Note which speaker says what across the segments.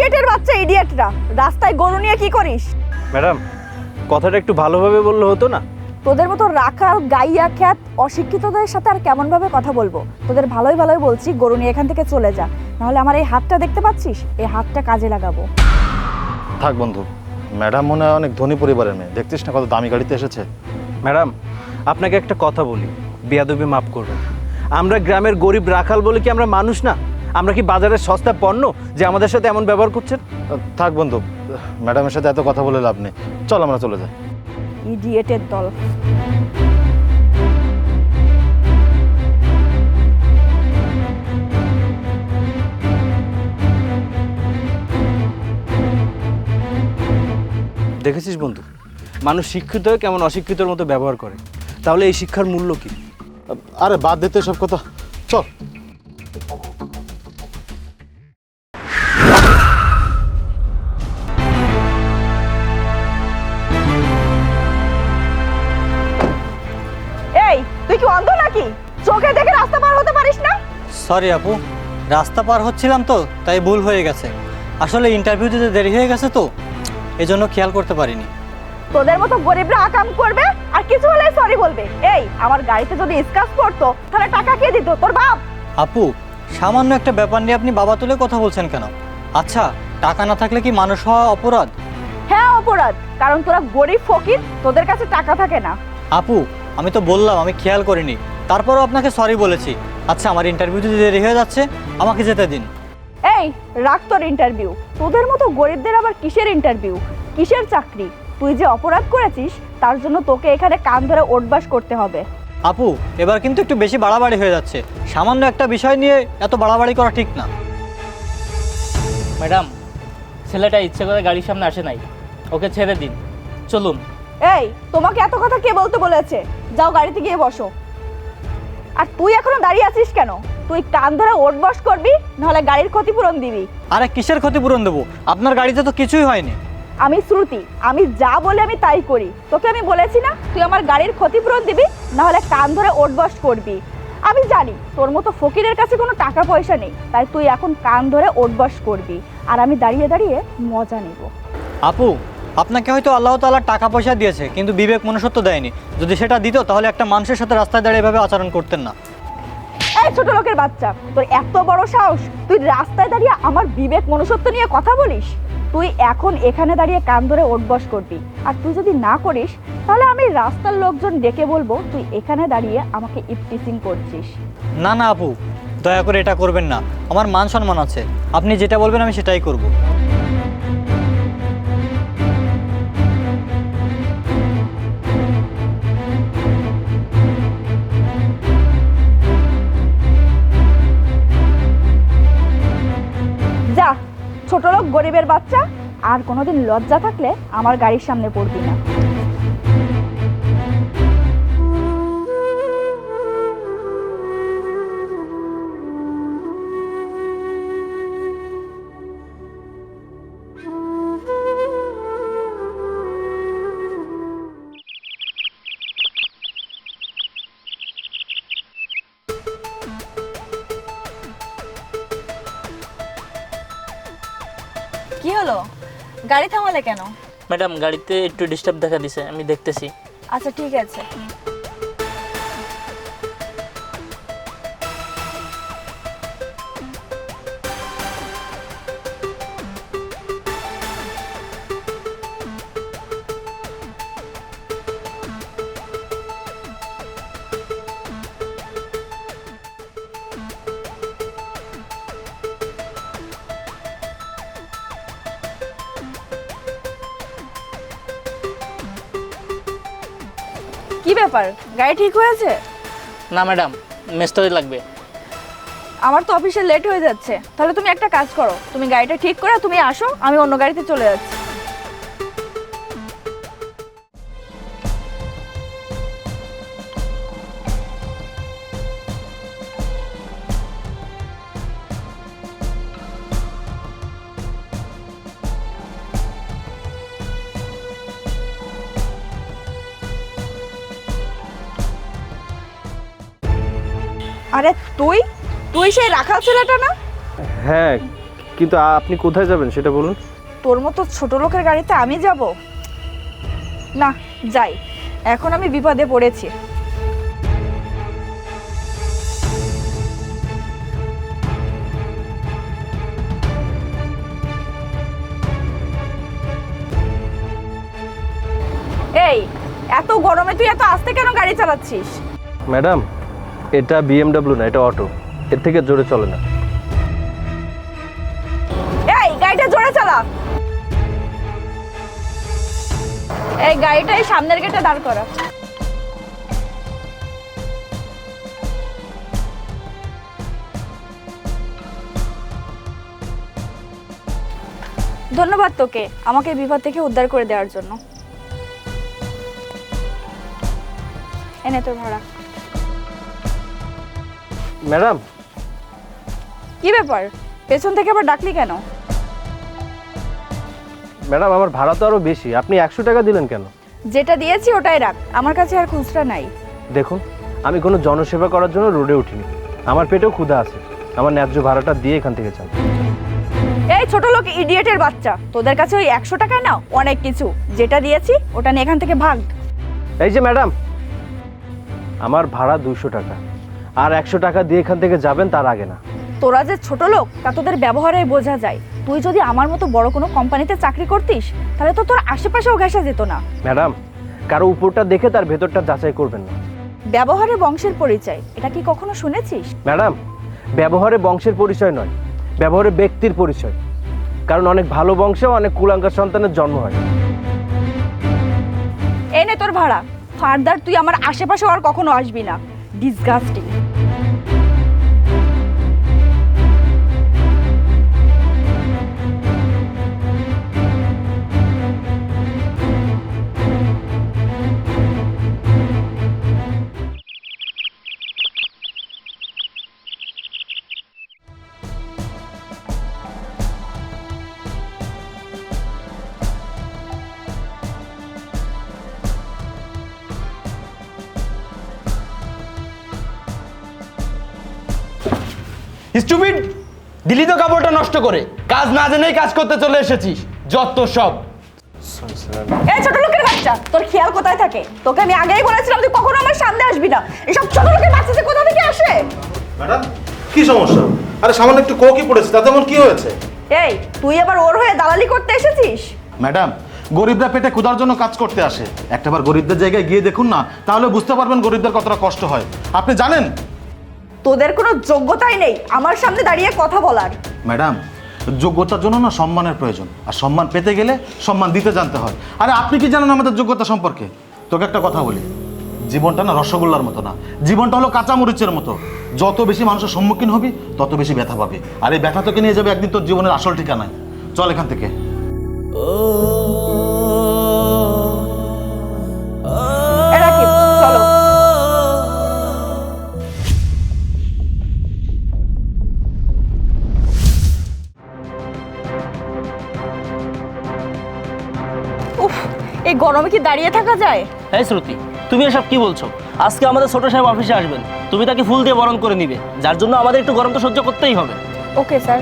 Speaker 1: ইডিয়েটের বাচ্চা ইডিয়েটরা, রাস্তায় গরু নিয়ে কি করিস?
Speaker 2: ম্যাডাম, কথাটা একটু ভালোভাবে বললে হতো না?
Speaker 1: তোদের মতো রাখাল গাইয়া খ্যাত অশিক্ষিতদের সাথে আর কেমন ভাবে কথা বলবো? তোদের ভালোই ভালোই বলছি গরু নিয়ে এখান থেকে চলে যা, নাহলে আমার এই হাতটা দেখতে পাচ্ছিস, এই হাতটা কাজে লাগাবো।
Speaker 3: থাক বন্ধু, ম্যাডাম মনে হয় অনেক ধনী পরিবারের মেয়ে, দেখছিস না কত দামি গাড়িতে এসেছে।
Speaker 2: ম্যাডাম, আপনাকে একটা কথা বলি, বেয়াদবি মাফ করবেন। আমরা গ্রামের গরিব রাখাল বলে কি আমরা মানুষ না? আমরা কি বাজারের সস্তা পণ্য যে আমাদের সাথে এমন ব্যবহার করছেন?
Speaker 3: থাক বন্ধু, ম্যাডামের সাথে এত কথা বলে লাভ নেই, চল আমরা চলে যাই।
Speaker 1: ইডিয়েটের দল।
Speaker 2: দেখেছিস বন্ধু, মানুষ শিক্ষিত হয়ে কেমন অশিক্ষিতর মতো ব্যবহার করে। তাহলে এই শিক্ষার মূল্য কি?
Speaker 3: আরে বাদ দিতে সব কথা, চল।
Speaker 1: এই তুই কি অন্ধ নাকি? চোখে দেখে রাস্তা পার হতে পারিস না?
Speaker 4: সরি আপু, রাস্তা পার হচ্ছিলাম তো তাই ভুল হয়ে গেছে। আসলে ইন্টারভিউ দিতে দেরি হয়ে গেছে তো, এজন্য খেয়াল করতে পারিনি।
Speaker 1: তোদের মতো গরিবরা আকাম করবে আর কিছু হলে সরি বলবে। এই আমার গাড়িতে যদি স্ক্র্যাচ পড়তো তাহলে টাকা কে দিত? তোর বাপ।
Speaker 4: আপু, সামান্য একটা ব্যাপার নিয়ে আপনি বাবা তুলে কথা বলছেন কেন? আচ্ছা, টাকা না থাকলে কি মানুষ হওয়া অপরাধ?
Speaker 1: হ্যাঁ অপরাধ, কারণ তোরা গরিব ফকির, তোদের কাছে টাকা থাকে না।
Speaker 4: আপু, আমি তো বললাম আমি খেয়াল করিনি, তারপরও আপনাকে সরি বলেছি। আচ্ছা, আমার ইন্টারভিউ দিতে দেরি হয়ে যাচ্ছে, আমাকে যেতে দিন।
Speaker 1: এই রাখ তোর ইন্টারভিউ। তোদের মতো গরিবদের আবার কিসের ইন্টারভিউ, কিসের চাকরি? তুই যে অপরাধ করেছিস তার জন্য তোকে এখানে কান ধরে ওঠবাস করতে হবে।
Speaker 4: আপু, এবার কিন্তু একটু বেশি বাড়াবাড়ি হয়ে যাচ্ছে। সামান্য একটা বিষয় নিয়ে এত বাড়াবাড়ি করা ঠিক না।
Speaker 5: ম্যাডাম, ছেলেটা ইচ্ছে করে গাড়ির সামনে আসে নাই, ওকে ছেড়ে দিন, চলুন।
Speaker 1: এই তোমাকে এত কথা কে বলতে বলেছে? যাও গাড়িতে গিয়ে বসো। আর তুই এখনো দাঁড়িয়ে আছিস কেন? তুই কান ধরে ওঠবাস করবি, নাহলে গাড়ির ক্ষতিপূরণ দিবি।
Speaker 4: আরে কিসের ক্ষতিপূরণ দেবো? আপনার গাড়িতে তো কিছুই হয়নি।
Speaker 1: আমি শ্রুতি, আমি যা বলে আমি তাই করি। তোকে আমি বলেছি না তুই আমার গাড়ির ক্ষতিপূরণ দিবি, নাহলে কান ধরে ওঠবাস করবি। আমি জানি তোর মতো ফকিরের কাছে কোনো টাকা পয়সা নেই, তাই তুই এখন কান ধরে ওঠবাস করবি, আর আমি দাঁড়িয়ে দাঁড়িয়ে মজা নেব।
Speaker 4: আপু, আপনাকে হয়তো আল্লাহ তাআলা টাকা পয়সা দিয়েছে, কিন্তু বিবেক মনুষ্যত্ব দেয়নি। যদি সেটা দিত তাহলে একটা মানুষের সাথে রাস্তায় দাঁড়িয়ে এভাবে আচরণ করতেন না।
Speaker 1: এই ছোট লোকের বাচ্চা, তোর এত বড় সাহস, তুই রাস্তায় দাঁড়িয়ে আমার বিবেক মনুষ্যত্ব নিয়ে কথা বলিস? তুই এখন এখানে দাঁড়িয়ে কান ধরে ওঠবস করবি, আর তুই যদি না করিস তাহলে আমি রাস্তার লোকজন ডেকে বলবো তুই এখানে দাঁড়িয়ে আমাকে ইফটিজিং করছিস।
Speaker 4: না না আপু, দয়া করে এটা করবেন না। আমার মান সম্মান আছে, আপনি যেটা বলবেন আমি সেটাই করব।
Speaker 1: যা ছোট লোক গরিবের বাচ্চা, আর কোনোদিন লজ্জা থাকলে আমার গাড়ির সামনে পড়বি না। কি হলো, গাড়ি থামালে কেন?
Speaker 5: ম্যাডাম, গাড়িতে একটু ডিস্টার্ব দেখা দিছে, আমি দেখতেছি।
Speaker 1: আচ্ছা ঠিক আছে। কি ব্যাপার, গাড়ি ঠিক হয়েছে?
Speaker 5: না ম্যাডাম, মেস্তরি লাগবে।
Speaker 1: আমার তো অফিসে লেট হয়ে যাচ্ছে। তাহলে তুমি একটা কাজ করো, তুমি গাড়িটা ঠিক করে তুমি আসো, আমি অন্য গাড়িতে চলে যাচ্ছি। আরে তুই তুই সেই রাখাল ছেলেটা না?
Speaker 2: হ্যাঁ, কিন্তু আপনি কোথায় যাবেন সেটা বলুন।
Speaker 1: তোর মতো ছোট লোকের গাড়িতে আমি যাব না, যাই, এখন আমি বিপদে পড়েছি। এই এত গরমে তুই এত আস্তে কেন গাড়ি চালাচ্ছিস?
Speaker 2: ম্যাডাম, এটা বিএমডব্লিউ না, এটা অটো, এর থেকে জোরে চলে না।
Speaker 1: এই গাড়িটা জোরে চালা। এই গাড়িটাই সামনের গেটে দাঁড় করা। ধন্যবাদ তোকে আমাকে এই বিপদ থেকে উদ্ধার করে দেওয়ার জন্য। এনে তোর ভাড়া।
Speaker 2: ম্যাডাম,
Speaker 1: কি ব্যাপার, পেছন থেকে আবার ডাকলি কেন?
Speaker 2: ম্যাডাম আমার ভাড়া তো আরও বেশি, আপনি 100 টাকা দিলেন কেন?
Speaker 1: যেটা দিয়েছি ওটাই রাখ, আমার কাছে আর খুচরা নাই।
Speaker 2: দেখুন, আমি কোনো জনসেবা করার জন্য রোডে উঠিনি, আমার পেটেও ক্ষুধা আছে, আমার ন্যায্য ভাড়াটা দিয়ে এখান থেকে যান।
Speaker 1: এই ছোট লোক ইডিয়েটের বাচ্চা, তোদের কাছে ওই 100 টাকা না অনেক কিছু, যেটা দিয়েছি ওটা নিয়ে এখান থেকে ভাগ।
Speaker 2: এই যে ম্যাডাম, আমার ভাড়া 200 টাকা, আর 100 টাকা দিয়ে এখান থেকে যাবেন তার আগে না।
Speaker 1: তোরা যে ছোট লোক তা তোদের ব্যবহারে বোঝা যায়। তুই যদি আমার মতো বড় কোনো কোম্পানিতে চাকরি করতিস তাহলে তো তোর আশেপাশেও ঘেঁষা যেত না।
Speaker 2: ম্যাডাম, কারো উপরটা দেখে তার ভেতরটা যাচাই করবেন না।
Speaker 1: ব্যবহারে বংশের পরিচয়, এটা কি কখনো শুনেছিস?
Speaker 2: ম্যাডাম, ব্যবহারে বংশের পরিচয় নয়, ব্যবহারে ব্যক্তির পরিচয়। কারণ অনেক ভালো বংশেও অনেক কুলাঙ্গার সন্তানের জন্ম হয়।
Speaker 1: এনে তোর ভাড়া। ফার্দার তুই আমার আশেপাশেও আর কখনো আসবি না। ডিসগাস্টিং।
Speaker 6: স্টুপিড, দিলি তো কাপড়টা নষ্ট করে, কাজ না জেনেই কাজ করতে চলে এসেছিস, যত সব।
Speaker 1: এই ছোট লোকের বাচ্চা, তোর খেয়াল কোথায় থাকে? তোকে আমি আগেই বলেছিলাম তুই কখনো আমার সামনে আসবি না। এসব ছোট লোকের বাচ্চা যে কোথা থেকে আসে?
Speaker 3: ম্যাডাম, কি সমস্যা? আরে সামান্য একটু কোকি পড়েছে, তাতে এমন কি হয়েছে?
Speaker 1: এই তুই আবার ওর হয়ে দালালি করতে এসেছিস?
Speaker 3: ম্যাডাম, গরিবরা পেটে ক্ষুধার জন্য কাজ করতে আসে, একটাবার গরিবদের জায়গায় গিয়ে দেখুন না, তাহলে বুঝতে পারবেন গরিবদের কতটা কষ্ট হয়। আপনি জানেন?
Speaker 1: তোদের কোনো যোগ্যতাই নেই আমার সামনে দাঁড়িয়ে কথা বলার।
Speaker 3: ম্যাডাম, যোগ্যতার জন্য না সম্মানের প্রয়োজন, আর সম্মান পেতে গেলে সম্মান দিতে জানতে হয়। আরে আপনি কি জানেন আমাদের যোগ্যতা সম্পর্কে? তোকে একটা কথা বলি, জীবনটা না রসগোল্লার মতো না, জীবনটা হলো কাঁচামরিচের মতো। যত বেশি মানুষের সম্মুখীন হবি তত বেশি ব্যথা পাবি, আর এই ব্যথা তোকে নিয়ে যাবে একদিন তোর জীবনের আসল ঠিকানায়। চল এখান থেকে।
Speaker 1: এ রাকিব, চলো। উফ, এই গরমে কি দাঁড়িয়ে থাকা যায়?
Speaker 5: এই শ্রুতি, তুমি এসব কি বলছো? আজকে আমাদের ছোট সাহেব অফিসে আসবেন, তুমি তাকে ফুল দিয়ে বরণ করে নিবে, যার জন্য আমাদের একটু গরম তো সহ্য করতেই হবে।
Speaker 1: Okay sir.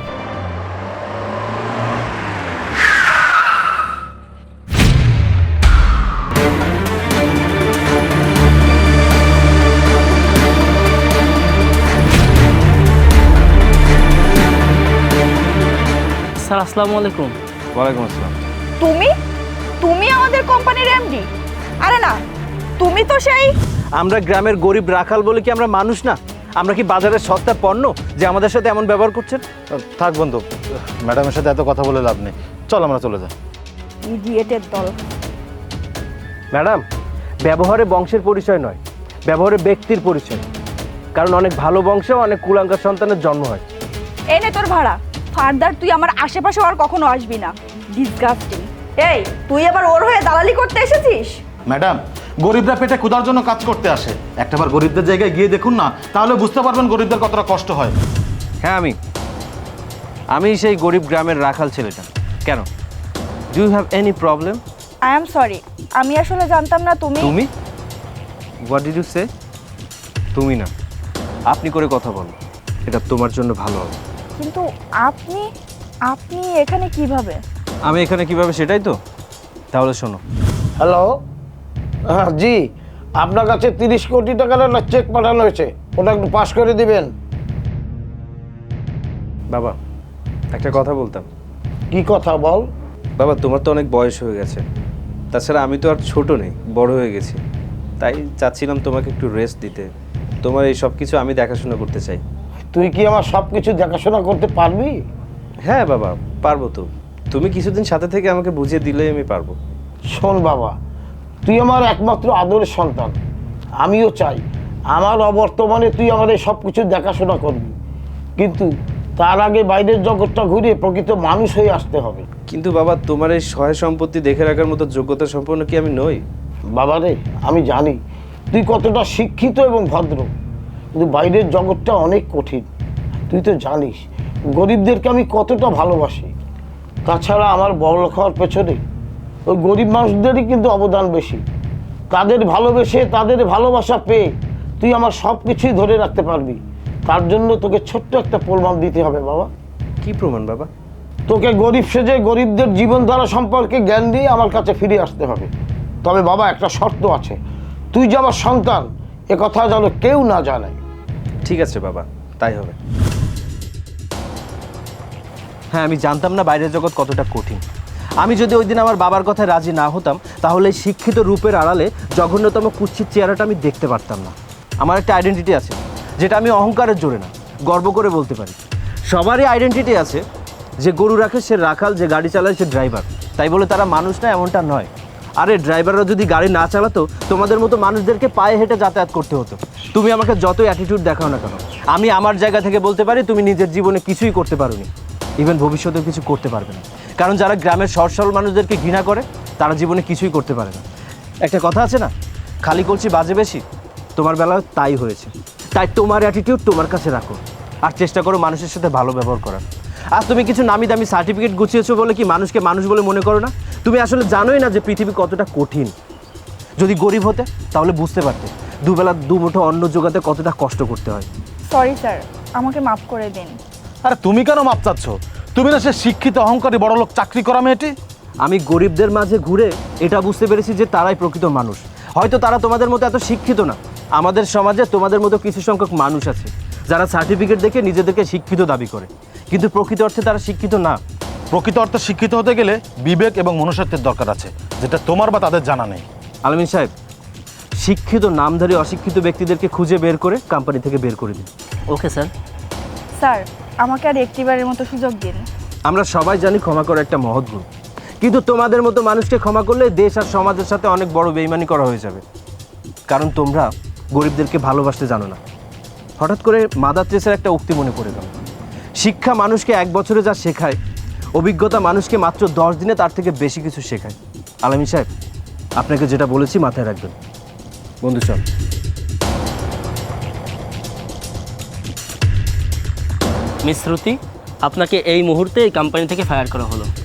Speaker 5: স্যার আসসালামু আলাইকুম।
Speaker 2: ওয়ালাইকুম আসসালাম।
Speaker 1: তুমি তুমি আমাদের কোম্পানির এমডি? আরে না, তুমি তো সেই।
Speaker 2: আমরা গ্রামের গরিব রাখাল বলে কি আমরা মানুষ না? আমরা কি বাজারের সস্তা পণ্য যে আমাদের সাথে এমন ব্যবহার করছেন?
Speaker 3: থাক বন্ধু, ম্যাডামের সাথে এত কথা বলে লাভ নেই, চল আমরা চলে যাই।
Speaker 1: ইডিয়েটের দল।
Speaker 2: ম্যাডাম, ব্যবহারে বংশের পরিচয় নয়, ব্যবহারে ব্যক্তির পরিচয়। কারণ অনেক ভালো বংশেও অনেক কুলাঙ্গার সন্তানের জন্ম হয়।
Speaker 1: এনে তোর ভাড়া। ফার্দার তুই আমার আশেপাশেও আর কখনো আসবি না। ডিসগাস্টিং। এই তুই আবার ওর হয়ে দালালি করতে এসেছিস?
Speaker 3: ম্যাডাম, গরিবরা পেটে ক্ষুধার জন্য কাজ করতে আসে, একটাবার গরিবদের জায়গায় গিয়ে দেখুন না, তাহলে বুঝতে পারবেন গরিবদের কতটা কষ্ট হয়।
Speaker 2: হ্যাঁ, আমি সেই গরিব গ্রামের রাখাল ছেলেটা। কেন? Do you have any problem?
Speaker 1: I am sorry, আমি আসলে জানতাম না তুমি।
Speaker 2: তুমি? What did you say? তুমি না, আপনি করে কথা বলো, এটা তোমার জন্য ভালো হবে।
Speaker 1: কিন্তু আপনি আপনি এখানে কিভাবে?
Speaker 2: আমি এখানে কিভাবে সেটাই তো, তাহলে শোনো।
Speaker 7: হ্যালো, হ্যাঁ জি, আপনার কাছে 30 কোটি টাকার একটা চেক পাঠানো হয়েছে, ওটা একটু পাস করে দিবেন।
Speaker 2: বাবা, একটা কথা বলতাম।
Speaker 7: কি কথা বল?
Speaker 2: বাবা, তোমার তো অনেক বয়স হয়ে গেছে, তাছাড়া আমি তো আর ছোট নেই, বড় হয়ে গেছি। তাই চাচ্ছিলাম তোমাকে একটু রেস্ট দিতে। তোমার এই সব কিছু আমি দেখাশোনা করতে চাই।
Speaker 7: তুই কি আমার সব কিছু দেখাশোনা করতে পারবি?
Speaker 2: হ্যাঁ বাবা, পারবো তো। তুমি কিছুদিন সাথে থেকে আমাকে বুঝিয়ে দিলেই আমি পারবো।
Speaker 7: শোন বাবা, তুই আমার একমাত্র আদরের সন্তান। আমিও চাই আমার অবর্তমানে তুই আমাদের সব কিছু দেখাশোনা করবি, কিন্তু তার আগে বাইরের জগৎটা ঘুরে প্রকৃত মানুষ হয়ে আসতে হবে।
Speaker 2: কিন্তু বাবা, তোমার এই সহায় সম্পত্তি দেখে রাখার মতো যোগ্যতা সম্পন্ন কি আমি নই?
Speaker 7: বাবা রে, আমি জানি তুই কতটা শিক্ষিত এবং ভদ্র, কিন্তু বাইরের জগৎটা অনেক কঠিন। তুই তো জানিস গরিবদেরকে আমি কতটা ভালোবাসি। তাছাড়া আমার বড়লোক হওয়ার পেছনে ওই গরিব মানুষদেরই কিন্তু অবদান বেশি। তাদের ভালোবেসে, তাদের ভালোবাসা পেয়ে তুই আমার সব কিছুই ধরে রাখতে পারবি। তার জন্য তোকে ছোট্ট একটা প্রমাণ দিতে হবে বাবা।
Speaker 2: কি প্রমাণ বাবা?
Speaker 7: তোকে গরিব সেজে গরিবদের জীবনধারা সম্পর্কে জ্ঞান দিয়ে আমার কাছে ফিরে আসতে হবে। তবে বাবা, একটা শর্ত আছে, তুই যে আমার সন্তান এ কথা যেন কেউ না জানে।
Speaker 2: ঠিক আছে বাবা, তাই হবে। হ্যাঁ, আমি জানতাম না বাইরের জগৎ কতটা কঠিন। আমি যদি ওই দিন আমার বাবার কথায় রাজি না হতাম, তাহলে এই শিক্ষিত রূপের আড়ালে জঘন্যতম কুৎসিত চেহারাটা আমি দেখতে পারতাম না। আমার একটা আইডেন্টিটি আছে, যেটা আমি অহংকারের জোরে না, গর্ব করে বলতে পারি। সবারই আইডেন্টিটি আছে, যে গরু রাখে সে রাখাল, যে গাড়ি চালায় সে ড্রাইভার। তাই বলে তারা মানুষ না, এমনটা নয়। আরে ড্রাইভাররা যদি গাড়ি না চালাতো, তোমাদের মতো মানুষদেরকে পায়ে হেঁটে যাতায়াত করতে হতো। তুমি আমাকে যতই অ্যাটিটিউড দেখাও না কেন, আমি আমার জায়গা থেকে বলতে পারি তুমি নিজের জীবনে কিছুই করতে পারোনি, ইভেন ভবিষ্যতেও কিছু করতে পারবে না। কারণ যারা গ্রামের সহজ সরল মানুষদেরকে ঘৃণা করে, তারা জীবনে কিছুই করতে পারে না। একটা কথা আছে না, খালি করছি বাজে বেশি। তোমার বেলায় তাই হয়েছে। তাই তোমার অ্যাটিটিউড তোমার কাছে রাখো, আর চেষ্টা করো মানুষের সাথে ভালো ব্যবহার করার। আর তুমি কিছু নামি দামি সার্টিফিকেট গুছিয়েছো বলে কি মানুষকে মানুষ বলে মনে করো না? তুমি আসলে জানোই না যে পৃথিবী কতটা কঠিন। যদি গরিব হতে তাহলে বুঝতে পারতে দুবেলা দুমুঠো অন্ন জোগাতে কতটা কষ্ট করতে হয়।
Speaker 1: সরি স্যার, আমাকে মাফ করে দিন।
Speaker 3: আরে তুমি কেন মাপ চাচ্ছ? তুমি না সে শিক্ষিত অহংকারী বড়লোক চাকরি করা মেয়েটি?
Speaker 2: আমি গরিবদের মাঝে ঘুরে এটা বুঝতে পেরেছি যে তারাই প্রকৃত মানুষ। হয়তো তারা তোমাদের মতো এত শিক্ষিত না। আমাদের সমাজে তোমাদের মতো কিছু সংখ্যক মানুষ আছে যারা সার্টিফিকেট দেখে নিজেদেরকে শিক্ষিত দাবি করে, কিন্তু প্রকৃত অর্থে তারা শিক্ষিত না।
Speaker 3: প্রকৃত অর্থে শিক্ষিত হতে গেলে বিবেক এবং মনুষ্যত্বের দরকার আছে, যেটা তোমার বা তাদের জানা নেই।
Speaker 2: আলামিন সাহেব, শিক্ষিত নামধারী অশিক্ষিত ব্যক্তিদেরকে খুঁজে বের করে কোম্পানি থেকে বের করে দিন।
Speaker 5: Okay sir.
Speaker 1: স্যার, আমাকে আর একটিবারের মতো সুযোগ দিন।
Speaker 2: আমরা সবাই জানি ক্ষমা করা একটা মহৎ গুণ, কিন্তু তোমাদের মতো মানুষকে ক্ষমা করলে দেশ আর সমাজের সাথে অনেক বড় বেইমানি করা হয়ে যাবে। কারণ তোমরা গরিবদেরকে ভালোবাসতে জানো না। হঠাৎ করে মাদার তেরেসার একটা উক্তি মনে পড়ে গেল, শিক্ষা মানুষকে 1 বছরে যা শেখায়, অভিজ্ঞতা মানুষকে মাত্র 10 দিনে তার থেকে বেশি কিছু শেখায়। আলামিন সাহেব, আপনাকে যেটা বলেছি মাথায় রাখবেন। বন্ধু চল।
Speaker 5: মিস শ্রুতি, আপনাকে এই মুহূর্তে এই কোম্পানি থেকে ফায়ার করা হলো।